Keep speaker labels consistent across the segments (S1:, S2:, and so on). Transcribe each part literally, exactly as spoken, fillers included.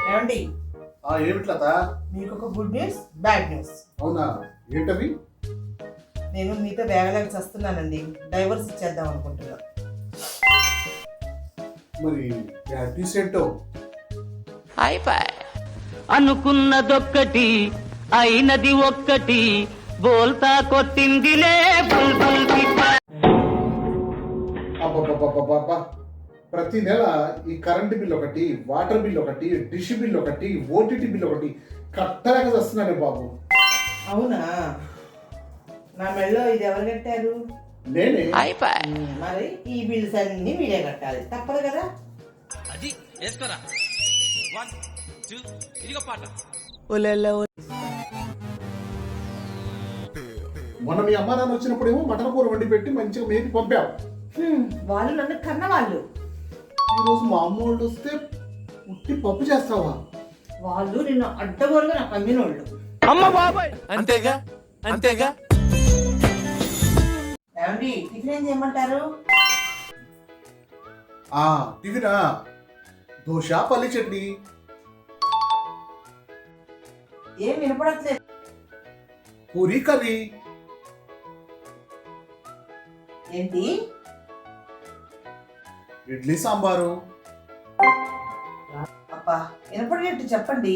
S1: ఏమండి
S2: ఆ ఏమిట్లత?
S1: మీకు ఒక గుడ్ న్యూస్ బ్యాడ్ న్యూస్.
S2: అవునా, ఏంటవి?
S1: నేను మీతో వేగలేక చస్తున్నానండి. డైవర్స్ ఇచ్చేద్దాం అనుకుంటున్నా.
S2: మరి బ్యాడ్ న్యూస్ ఏంటో?
S3: అయిపోయి అనుకున్నదొక్కటి అయినది ఒక్కటి బోల్తా కొట్టిందిలే బుల్బుల్ పిట్ట.
S2: అబ్బబ్బబ్బబ్బబ్బా, ప్రతి నెల ఈ కరెంట్ బిల్ ఒకటి, వాటర్ బిల్ ఒకటి, డిష్ బిల్ ఒకటి, ఓటీటీ బిల్ ఒకటి కట్టలేక వస్తున్నానే బాబు.
S1: అవునా, నా మెళ్ళో ఇది ఎవరు కట్టారు?
S2: నేనే.
S3: అయిపోయి
S1: ఉమ్, మరి ఈ బిల్స్ అన్ని మీరే కట్టాలి, తప్పదు కదా.
S4: అది వేసుకోరా వన్ టూ ఇదిగో పాట.
S2: మొన్న మీ అమ్మ నాన్న వచ్చినప్పుడు ఏమో మటన్ కూర వండి పెట్టి మంచిగా మేపి పంపావు.
S1: హ్మ్, వాళ్ళు నన్ను కన్న వాళ్ళు.
S2: ఈరోజు మా అమ్మ వాళ్ళు వస్తే ఉట్టి పప్పు చేస్తావా?
S1: వాళ్ళు నిన్ను అడ్డగోలుగా నాకు అమ్మినోళ్ళు.
S3: అమ్మ బాబాయ్
S4: అంతేగా అంతేగా.
S1: ఏమండి టిఫిన్ ఏం చేయమంటారు?
S2: ఆ టిఫినా, దోశ పల్లి చట్నీ.
S1: ఏం వినపడట్లేదు.
S2: పూరి కర్రీ.
S1: ఏంటి?
S2: ఇడ్లీ సాంబారు.
S1: అబ్బా, వినపడేట్టు చెప్పండి.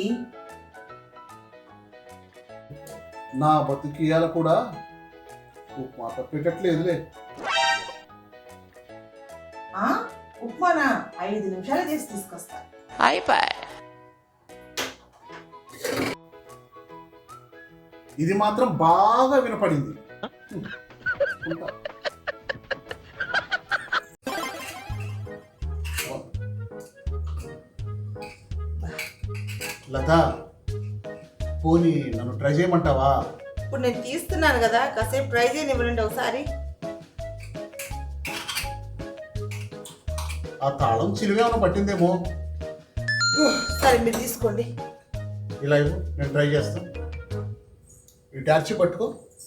S2: నా బతుకియాల కూడా ఉప్మా తప్పేటట్లేదులే.
S1: ఆ ఉప్మానా? ఐదు నిమిషాలు చేసి తీసుకొస్తా.
S3: అయిపోయి
S2: ఇది మాత్రం బాగా వినపడింది. ఉంటా. లత, పోనీ నన్ను ట్రై చేయమంటావా?
S1: ఇప్పుడు నేను తీస్తున్నాను కదా, కాసేపు ట్రై చేయనివ్వండి ఒకసారి.
S2: ఆ తాళం చిలువేమన్నా పట్టిందేమో.
S1: సరే మీరు తీసుకోండి.
S2: ఇలా ఇవ్వు, నేను ట్రై చేస్తాను. ఈ టార్చి పట్టుకో.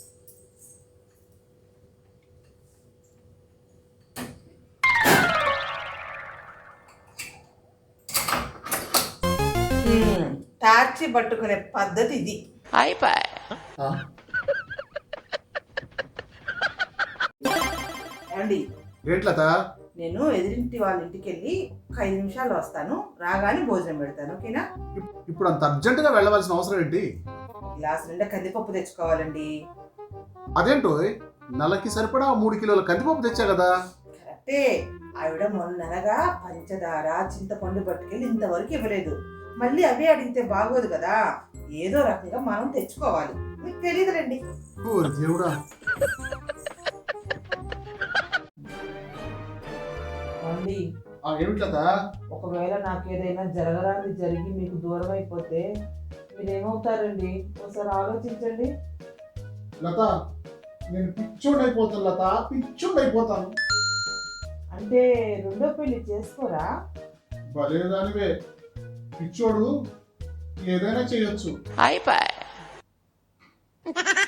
S1: హ్మ్, టార్చి పట్టుకునే పద్ధతి ఇది.
S3: అయిపోయి
S2: ఆ,
S1: ఏమండి,
S2: ఏంటి లత?
S1: నేను ఎదురింటి వాళ్ళ ఇంటికి వెళ్ళి ఒక ఐదు నిమిషాలు వస్తాను, రాగానే భోజనం పెడతాను, ఓకేనా?
S2: ఇప్- ఇప్పుడు అంత అర్జెంటుగా వెళ్ళవలసిన అవసరం ఏంటి?
S1: గ్లాస్ నిండా కందిపప్పు తెచ్చుకోవాలండి.
S2: అదేంటో, నెలకి సరిపడా మూడు కిలోల కందిపప్పు తెచ్చా కదా.
S1: కరెక్టే. ఆవిడ మొన్ననగా పంచదార చింతపండు పట్టుకెళ్ళి ఇంతవరకు ఇవ్వలేదు. మళ్ళీ అవే అడిగితే బాగోదు కదా, ఏదో రకంగా మనం తెచ్చుకోవాలి. మీకు తెలియదులేండి.
S2: ఓరి దేవుడా.
S1: అండి,
S2: ఆ ఏమిటి లత?
S1: ఒకవేళ నాకు ఏదైనా జరగరాని జరిగి మీకు దూరం అయిపోతే మీరేమవుతారండి? ఒకసారి ఆలోచించండి.
S2: లత, నేను పిచ్చోడు అయిపోతాను లత, పిచ్చోడు అయిపోతాను.
S1: అంటే రెండో పెళ్లి చేసుకోరా?
S2: భలే దానివే, పిచ్చోడు ఏదైనా చేయొచ్చు.
S3: అయిపోయి